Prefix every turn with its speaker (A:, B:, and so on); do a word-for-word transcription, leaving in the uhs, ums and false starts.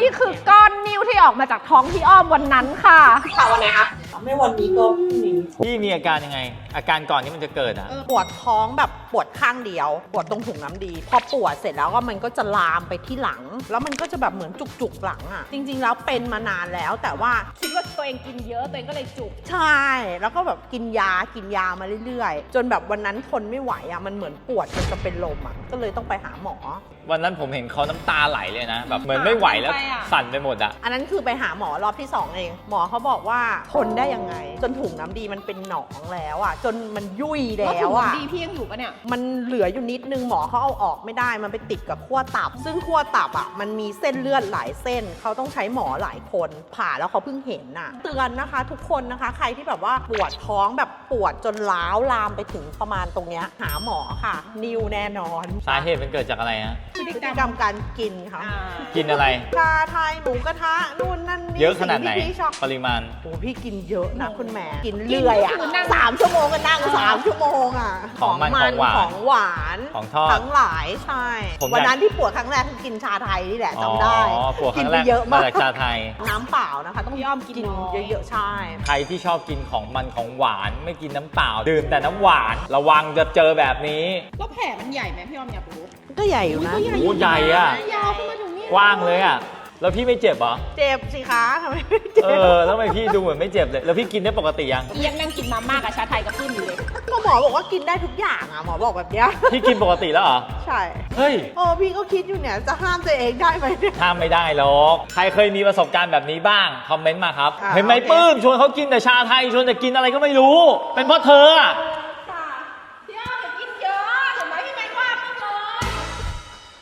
A: นี่คือก้อนนิ้วที่ออกมาจากท้องพี่อ้อมวันนั้นค่ะ
B: ค่ะวันไหนคะไม่วันนี้ก็พรุ่งนี้
C: พี่มีอาการยังไงอาการก่อนที่มันจะเกิดอ่ะ
B: ปวดท้องแบบปวดข้างเดียวปวดตรงถุงน้ำดีพอปวดเสร็จแล้วก็มันก็จะลามไปที่หลังแล้วมันก็จะแบบเหมือนจุกๆหลังอ่ะจริงๆแล้วเป็นมานานแล้วแต่ว่า
A: คิดว่าตัวเองกินเยอะตัวเองก็เลยจุก
B: ใช่แล้วก็แบบกินยากินยามาเรื่อยๆจนแบบวันนั้นทนไม่ไหวอ่ะมันเหมือนปวดจนจะเป็นลมอ่ะก็เลยต้องไปหาหมอ
C: วันนั้นผมเห็นเขาน้ำตาไหลเลยนะแบบเหมือนไม่ไหวแล้วสั่นไปหมดอ่ะ
B: อันนั้นคือไปหาหมอรอบที่สองเองหมอเขาบอกว่าทนได้ยังไงจนถุงน้ำดีมันเป็นหนองแล้วอ่ะจนมันยุ่ยแล้วอ่ะ
A: ดีพี่ยังอยู่ปะเนี่ย
B: มันเหลืออยู่นิดนึงหมอเขาเอาออกไม่ได้มันไปติดกับขั้วตับซึ่งขั้วตับอ่ะมันมีเส้นเลือดหลายเส้นเขาต้องใช้หมอหลายคนผ่าแล้วเขาเพิ่งเห็นน่ะเตือนนะคะทุกคนนะคะใครที่แบบว่าปวดท้องแบบปวดจนล้าวลามไปถึงประมาณตรงเนี้ยหาหมอค่ะนิวแน่นอน
C: สาเหตุมันเกิดจากอะไรฮะ
B: พฤติกรรมการกินค่ะ
C: กินอะไร
B: ชาไทยหมูกระทะนู่นนั่นนี่
C: เยอะขนาดไหนปริมาณ
B: โอ้พี่กินเยอะนะคุณแม่กินเรื่อยอ่ะสามชั่วโมงก็นั่งสามชั่วโมงอ่ะ
C: ของมันของหวาน
B: ของหวาน
C: ของทอด
B: ทั้งหลายใช่วันนั้นที่ปวดครั้งแรกคือกินชาไทยนี่แหละจำได้
C: ปวดครั้งแรกเยอะมากจากชาไทย
B: น้ำเปล่านะคะต้องย่อมกินเยอะๆใช่
C: ใครที่ชอบกินของมันของหวานไม่กินน้ำเปล่าดื่มแต่น้ำหวานระวังจะเจอแบบนี้
A: แล้วแผลมันใหญ่ไหมพี่อ้อมอยากรู้
B: ก็ใหญ่อยู่นะ
C: โอ้ใหญ่อะ
A: ยาวขึ้นมาถึงนี่
C: กว้างเลยอะแล้วพี่ไม่เจ็บเหรอ
B: เจ็บสิคะทำไมไม่เจ็บ
C: เออแล้วทำไมพี่ดูเหมือนไม่เจ็บเลยแล้วพี่กินได้ปกติยัง
A: ยังนั่งกินมาม่ากับชาไทยกับขึ้นอยู่เลย
B: ก็หมอบอกว่ากินได้ทุกอย่างอ่ะหมอบอกแบบเนี้ย
C: พี่กินปกติแล้วเหรอ
B: ใช่
C: เฮ้ย
B: โอ้พี่ก็คิดอยู่เนี่ยจะห้ามตัวเองได้ไหม
C: ห้ามไม่ได้หรอกใครเคยมีประสบการณ์แบบนี้บ้างคอมเมนต์มาครับเห็นไหมปื้มชวนเขากินแต่ชาไทยชวนแต่กินอะไรก็ไม่รู้เป็นเพราะเธอ